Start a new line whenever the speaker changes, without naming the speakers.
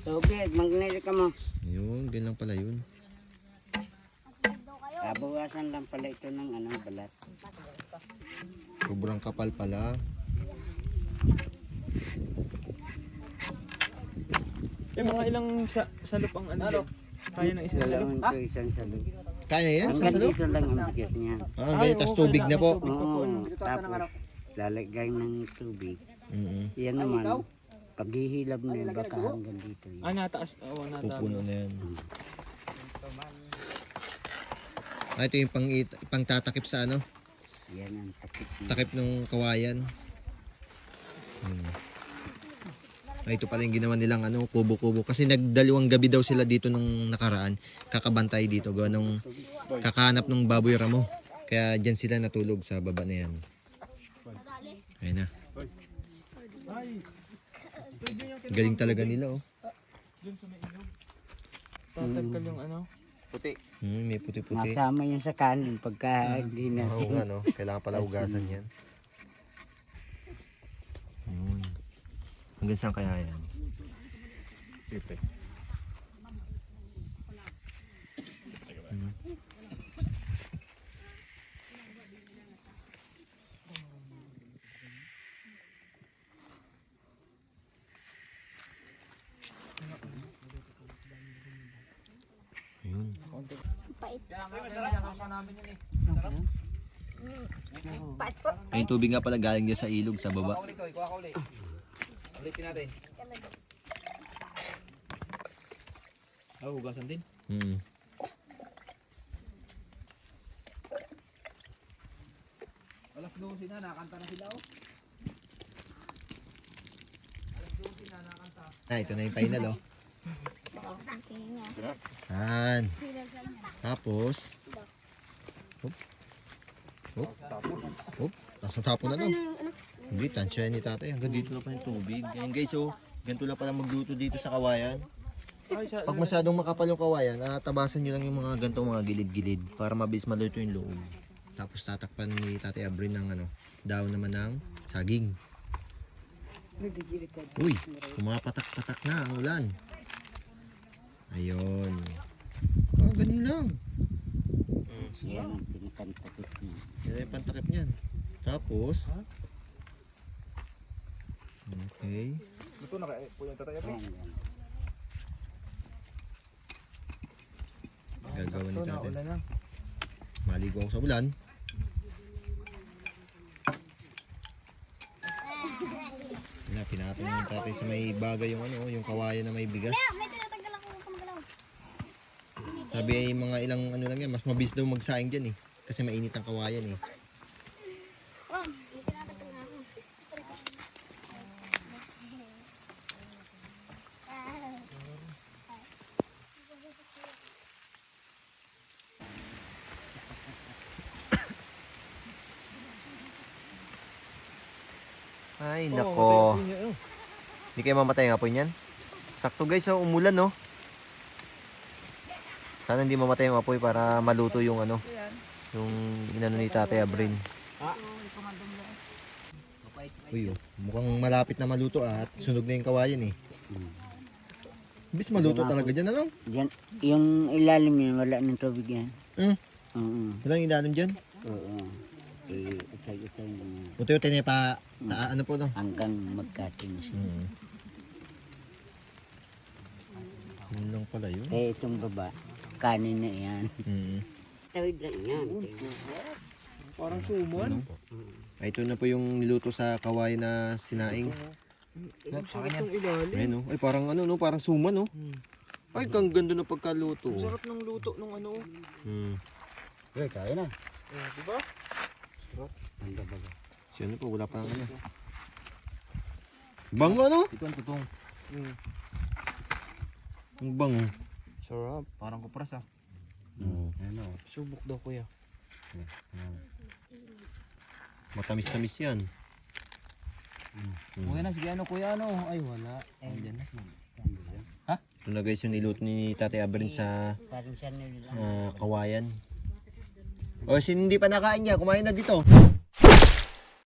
Tubig, magnili ka mo.
Yun, ganyan lang pala yun.
Kabawasan lang pala ito ng balat.
Sobrang kapal pala.
Mga ilang salop ang ano? Kaya ng isang salop?
Dalawang ito, isang salog.
Kaya yan? Sa
Hanggang
salo?
dito lang ang bigas niya.
Ah, ganyan. Tapos tubig na po.
Oo, tapos lalagay ng tubig. Yan naman, paghihilab na yun, baka hanggang dito yun.
Nataas. Oo, nataas.
Pupuno na yan. Ah, ito yung pang tatakip sa ano?
Yan ang takip niya.
Takip ng kawayan. Ay, ito pala yung ginawa nilang kubo-kubo. Kasi nagdalawang gabi daw sila dito nung nakaraan. Kakabantay dito. Gawa nung kakahanap ng baboy ramo. Kaya dyan sila natulog sa baba na yan. Ayun na. Galing talaga nila, oh.
Tatagkal yung ano?
Puti.
May puti-puti.
Masama yun sa kanin pagka hindi na.
Oo nga, no? Kailangan pala ugasan yan. Ayun. Hanggang saan kaya yan? Siyempre. Ayun. Ay, yung tubig nga pala galing niya sa ilog sa baba.
Ulitin natin. Hugasan din. Alas 12 na, nakakanta na sila, oh. Alas 12 na, nakakanta.
Ah, ito na yung final, oh. Yan. Tapos, nasa tapon na, no? Hindi, tansya ni tatay. Hanggang dito na pa yung tubig. Yan guys, oh. Ganito lang pala magluto dito sa kawayan. Pag masyadong makapal yung kawayan, tabasan nyo lang yung mga gantong mga gilid-gilid para mabilis maluto yung loob. Tapos tatakpan ni Tatay Abrin ng daon naman ng saging. Uy, pumapatak-patak na ang ulan. Ayun. Oh, ganun lang.
Yan ang pinakantakip niya.
Yan yung pantakip niyan. Tapos, okay.
Luto na kaya po yung tatay.
Yan, yan.
Gagawa ni tatay.
Ulan na.
Maligo ako sa ulan. Wala, pinatong yung tatay sa may bagay yung yung kawayan na may bigas. Sabi ay mga ilang lang yan, mas mabilis daw magsaing dyan eh. Kasi mainit ang kawayan eh. Ay, nako. Hindi kayo mamatay ng apoy niyan? Sakto guys, umulan, no? Sana hindi mamatay yung apoy para maluto yung yung inano ni Tatay Abrin. Uy, mukhang malapit na maluto at sunog na yung kawayan eh. Bis maluto talaga dyan, ano?
Diyan, yung ilalim niya, wala ng tubig yan.
Walang ilalim dyan?
Oo. Itay-itay niya.
Utoy-utoy na pa, ano po no?
Hanggang magkatin siya.
Yun lang pala yun.
Kaya itong baba, kanin na yan. Tawid lang yan.
Parang suman.
Ay, ito na po yung niluto sa kawayan na sinaing.
Sarap ng ilalim.
Ayun, no? Ay, parang no? Parang suman, no? Ay, kang ganda na pagkaluto.
Sarap ng luto nung ano.
Okay, kaya na.
Diba?
Ang baga.
Si ano po, wala pa ang Bango, no?
Ito ang tutong.
Ang bango.
Sarap. Parang kupras, ah.
Ano?
Subok daw, kuya.
Matamis-tamis yan.
Kuya na, sige ano, kuya ano. Ay, wala. Ayan na. Ha?
Ito na guys yung niluto ni Tatay Abrin sa
Parang siya nila.
kawayan. O, hindi pa nakain niya, kumain na dito.